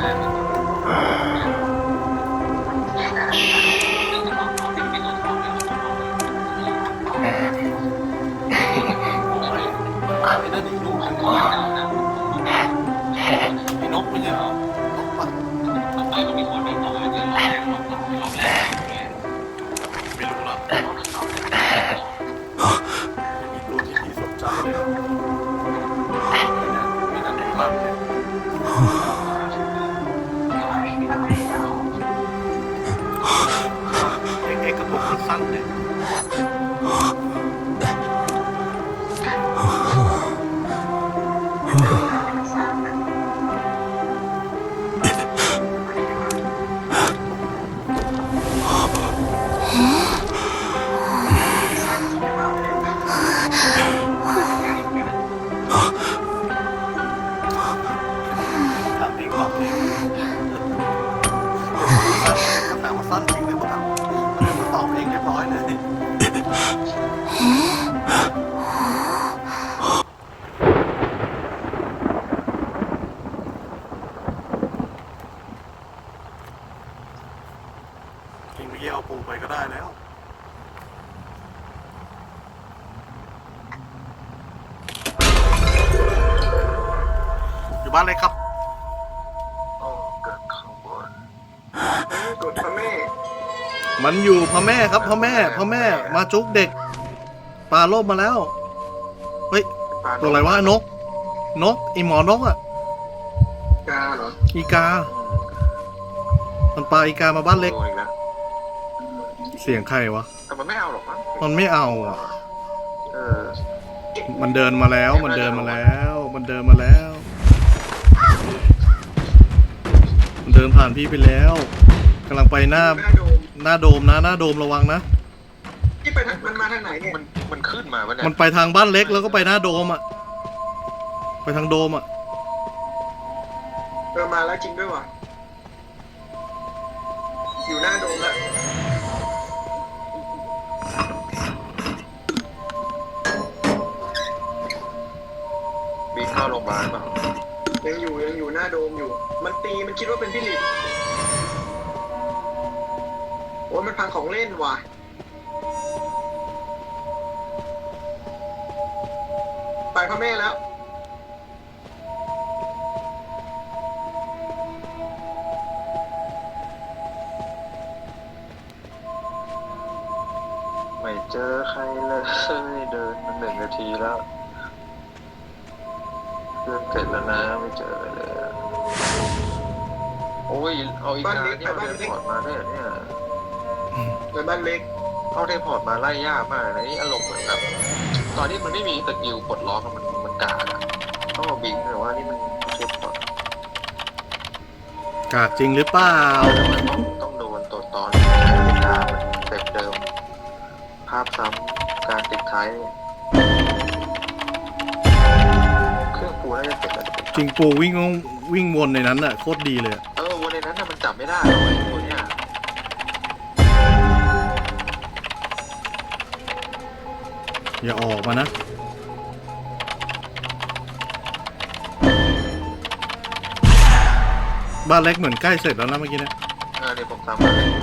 นั่นอีกลูกนึงไอ้นกไม่ใช่เหรอนกปะไม่รู้หรอกไม่รู้ที่พี่สนใจเลยไม่น่าดูมันเลยเอ็กกระปุกสั้นเลยสั้นจริงเลยมั้งตอบเองเรียบร้อยเลยจริงเมื่อกี้เอาปูไปก็ได้แล้วอยู่บ้านเลยครับกดพ่อแม่มันอยู่พ่อแม่ครับพ่อแม่มาจุกเด็กปลาโลบมาแล้วเฮ้ยตัวอะไรวะนกไอหมอนกอ่ะกาเหรออีกามันปลาอีกามาบ้านเล็กเสียงใครวะแต่มันไม่เอาหรอกมันไม่เอาอ่ะมันเดินมาแล้วมันเดินมาผ่านพี่ไปแล้วกำลังไปหน้าโดมนะหน้าโดมระวังนะที่ไปมันมาทางไหนเนี่ยมันขึ้นมาเนี่ยมันไปทางบ้านเล็กแล้วก็ไปหน้าโดมอ่ะไปทางโดมอ่ะมาแล้วจริงด้วยว่ะอยู่หน้าโดมแล้วมีเข้าโรงพยาบาลป่ะยังอยู่หน้าโดมอยู่มันคิดว่าเป็นพี่หลินโอ้ยมันพังของเล่นว่ะไปพ่อแม่แล้วไม่เจอใครเลยเดินมา1 นาทีแล้วเดินเสร็จแล้วนะไม่เจอเลยโอ้ยเอาอีกการที่เอาเทพอร์ตมาได้เนี่ยในบ้านเล็กเอาเทพอร์ตมาไล่ยากมากนะนี่อารมณ์เหมือนแบบตอนนี้มันไม่มีสกิลปลดล็อกมันกากอะต้องเอาบิงแต่ว่านี่มันเทพอร์ตกากจริงหรือเปล่าต้องโดนตัวตอนการเต็มเดิมภาพซ้ำการติดท้ายเครื่องปูน่าจะเสร็จแล้วจริงปูวิ่งวนในนั้นน่ะโคตรดีเลยวนในนั้นน่ะมันจับไม่ได้เลยตัวเนี้ยอย่าออกมานะบ้านเล็กเหมือนใกล้เสร็จแล้วนะเมื่อกี้เนี่ยเดี๋ยวผมทำ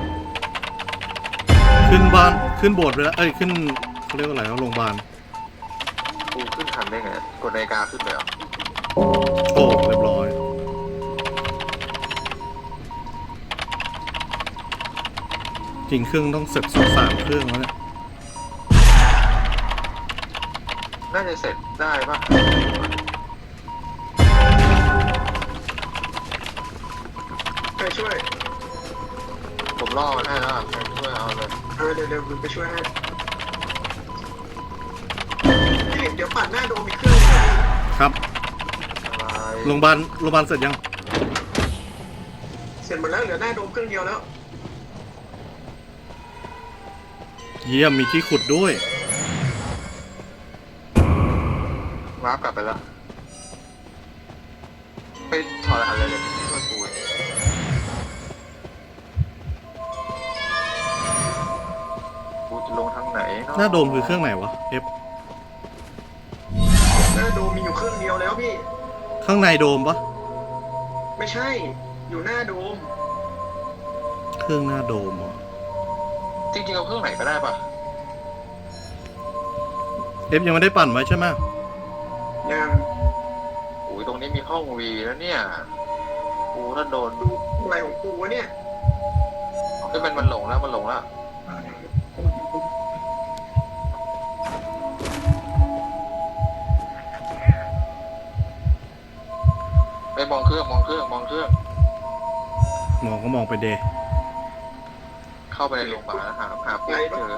ขึ้นโบสถ์ไปแล้วขึ้นเขาเรียกว่าอะไรโรงพยาบาลปูขึ้นทันได้ไงกดนาฬิกาขึ้นไปเหรอโอ้เรียบร้อยจริงเครื่องต้องเสร็จ3 เครื่องแล้วเนี่ยน่าจะเสร็จได้ป่ะใครช่วยผมรอมันให้แล้วใครช่วยเอาเลยเดี๋ยวไปช่วยให้เดี๋ยวปัดหน้าโดมอีกเครื่องครับโรงพยาบาลเสร็จยังเสร็จหมดแล้วเหลือหน้าโดมเครื่องเดียวแล้วเยี่ยมมีที่ขุดด้วยวาร์ปกลับไปแล้วไปถอดรหัสเลยช่วยกูจะลงทางไหนหน้าโดมคือเครื่องไหนวะFหน้าโดมมีอยู่เครื่องเดียวแล้วพี่ข้างในโดมปะไม่ใช่อยู่หน้าโดมเครื่องหน้าโดมเหรอจริงๆเอาเครื่องไหนก็ได้ปะเอฟยังไม่ได้ปั่นไว้ใช่ไหมยังอุ้ยตรงนี้มีห้องวีแล้วเนี่ยกูถ้าโดนอะไรของกูวะเนี่ยเอ้ยมันหลงแล้วมันหลงแล้วไปมองเครื่องมองเครื่องมองเครื่องมองก็มองไปเดย์เข้าไปในโรงพยาบาลแล้วหาปุ๊บเจอ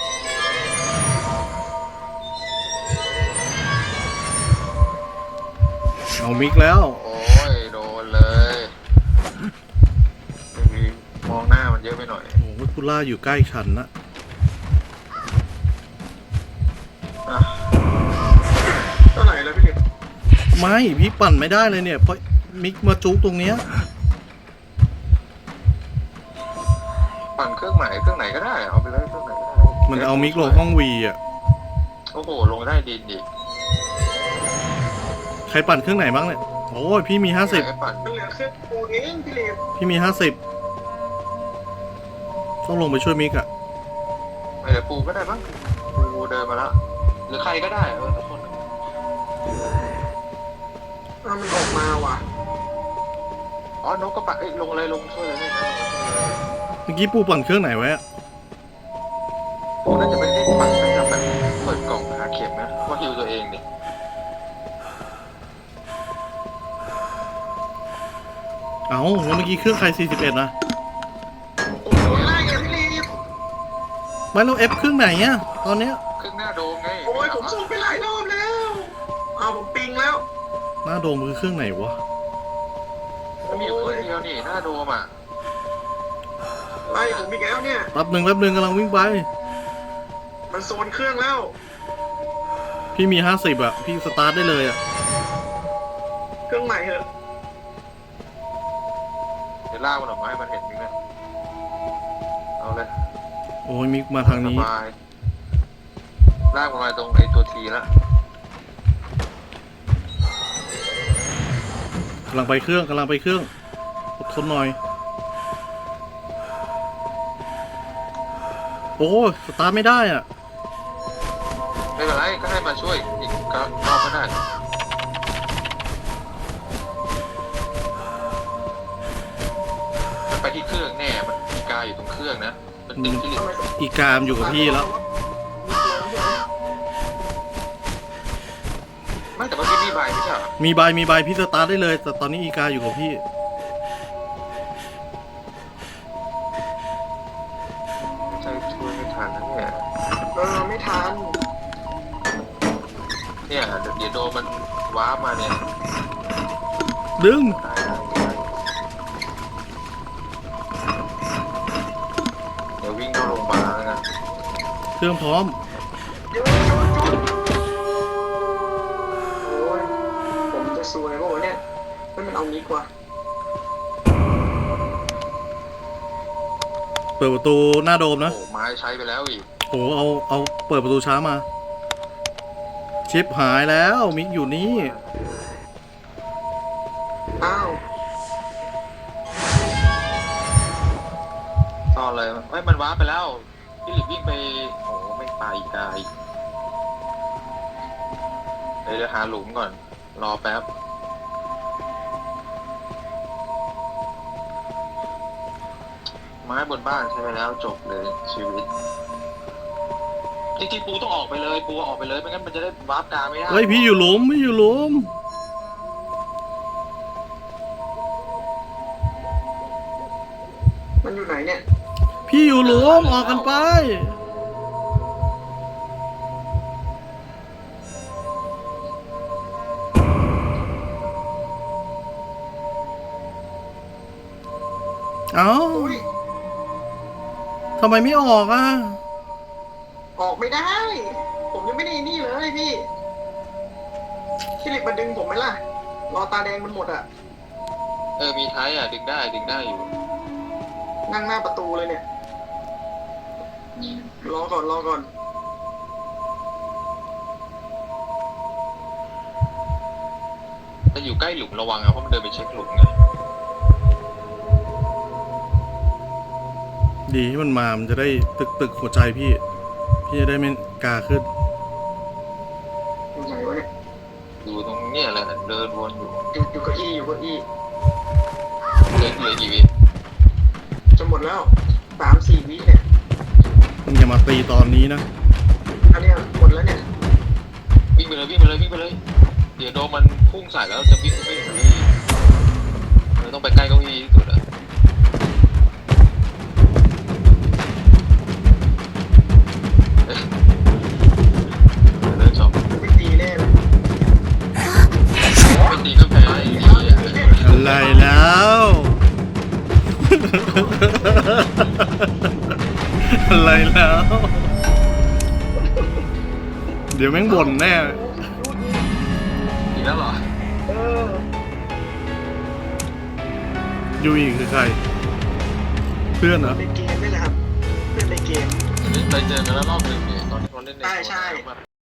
เอามิกแล้วโอ้ยโดนเลยไม่มีมองหน้ามันเยอะไปหน่อยโอ้โหคุล่าอยู่ใกล้ฉันนะอ่ะเท่าไหร่แล้วพี่เด็กไม่พี่ปั่นไม่ได้เลยเนี่ยเพราะมิกมาจุกตรงเนี้ยปั่นเครื่องไหนก็ได้เอาไปเลยเครื่องไหนก็ได้มันเอามิกลงห้องวีอ่ะโอ้โหลงได้ดินดิใครปั่นเครื่องไหนบ้างเนี่ยโอ้ยพี่มี50 ให้ปั่นมันเหลือเครื่องกูเองพี่เล็กพี่มี50ต้องลงไปช่วยมิกอ่ะไม่เดี๋ยวปูก็ได้บ้างปูเดินมาแล้วหรือใครก็ได้ทุกคนมันออกมาว่ะอ๋อนกก็ปั่นลงเลยลงช่วยเลยนะเมื่อกี้ปูปั่นเครื่องไหนไว้อะปูน่าจะไม่ได้ปั่นน่าจะแบบเปิดกล่องหาเข็มนะว่าฮิวตัวเองดิเอ้าแล้วเมื่อกี้เครื่องใคร41นะโอ้โหไล่อะพี่เล็กไม่แล้วเอฟเครื่องไหนอ่ะตอนเนี้ยเครื่องหน้าโดมไงโอ้ยผมส่งไปหลายรอบแล้วเอาผมปิงแล้วหน้าโดมคือเครื่องไหนวะมันมีอยู่เครื่องเดียวนี่หน้าโดมอ่ะไล่ผมอีกแล้วเนี่ยแป๊บหนึ่งกำลังวิ่งไปมันโซนเครื่องแล้วพี่มี50อ่ะพี่สตาร์ทได้เลยอ่ะเครื่องใหม่เหอะเดี๋ยวลากมันออกมาให้มันเห็นนิดนึงเอาเลยโอ้ยมิกมาทางสนี้บายลากมันมาตรงไอ้ตัวทีละกำลังไปเครื่องอดทนหน่อยโอ้ยสตาร์ทไม่ได้อ่ะไม่เป็นไรก็ให้มาช่วยอีกรอบก็ได้มันไปที่เครื่องแน่มันมีกาอยู่ตรงเครื่องนะมันติดที่ลิ้นอีกามอยู่กับพี่แล้วไม่แต่เมื่อกี้มีใบไม่ใช่เหรอมีใบพี่สตาร์ทได้เลย แต่ตอนนี้อีกาอยู่กับพี่ไม่ใช่ช่วยไม่ทันนะเนี่ยไม่ทันเนี่ยเดี๋ยวโดนมันว้าร์ปมาเนี่ยดึงได้เดี๋ยววิ่งเข้าโรงพยาบาลแล้วนะเครื่องพร้อมโอ้ยผมจะซวยป่าวะเนี่ยมันเอานี้กว่าเปิดประตูหน้าโดมนะโอ้ไม้ใช้ไปแล้วอีกโอ้เอาเปิดประตูช้ามา ชิปหายแล้วมิกอยู่นี่อ้าวซ่อนเลยเฮ้ยมันว้าร์ปไปแล้วพี่หลิบวิ่งไปโอ้ไม่ไปอีกไกลเดี๋ยวหาหลุมก่อนรอแป๊บไม้บนบ้านใช้ไปแล้วจบเลยชีวิตจริงๆปูต้องออกไปเลยปูออกไปเลยไม่งั้นมันจะได้วาร์ปกลางไม่ได้เฮ้ยพี่อยู่หลุมมันอยู่ไหนเนี่ยพี่อยู่หลุมออกกันไป เอ้าอุ้ยทำไมไม่ออกอ่ะออกไม่ได้ ผมยังไม่ได้นี่เลยพี่พี่หลิกมาดึงผมไหมล่ะ รอตาแดงมันหมดอ่ะมีท้ายอ่ะดึงได้อยู่นั่งหน้าประตูเลยเนี่ย รอก่อนแต่อยู่ใกล้หลุมระวังนะเพราะมันเดินไปเช็คหลุมไงดีที่มันมามันจะได้ตึกหัวใจพี่ พี่จะได้ไม่กาขึ้นอยู่ไหนวะเนี่ยอยู่ตรงเนี้ยแหละเดินวนอยู่อยู่เก้าอี้อยู่เก้าอี้เดินเลยกี่วิจะหมดแล้ว3-4 วิเนี่ยมึงอย่ามาตีตอนนี้นะอันเนี้ยหมดแล้วเนี่ยวิ่งไปเลยวิ่งไปเลยวิ่งไปเลย เดี๋ยวโดนมันพุ่งใส่แล้วจะวิ่งไปเก้าอี้เราต้องไปใกล้เก้าอี้ที่สุดอะเอ๊ะเดินสองไม่ตีแน่เลยไม่ตีก็แพ้ไอ้เหี้ยอะไรแล้ว อะไรแล้ว เดี๋ยวแม่งบ่นแน่อีกแล้วเหรอเออยูอีคือใคร เพื่อนเหรอในเกมนี่แหละครับเล่นในเกมไปเจอกันแล้วรอบหนึ่งเนี่ยตอนที่เขาเล่นในใช่แบบ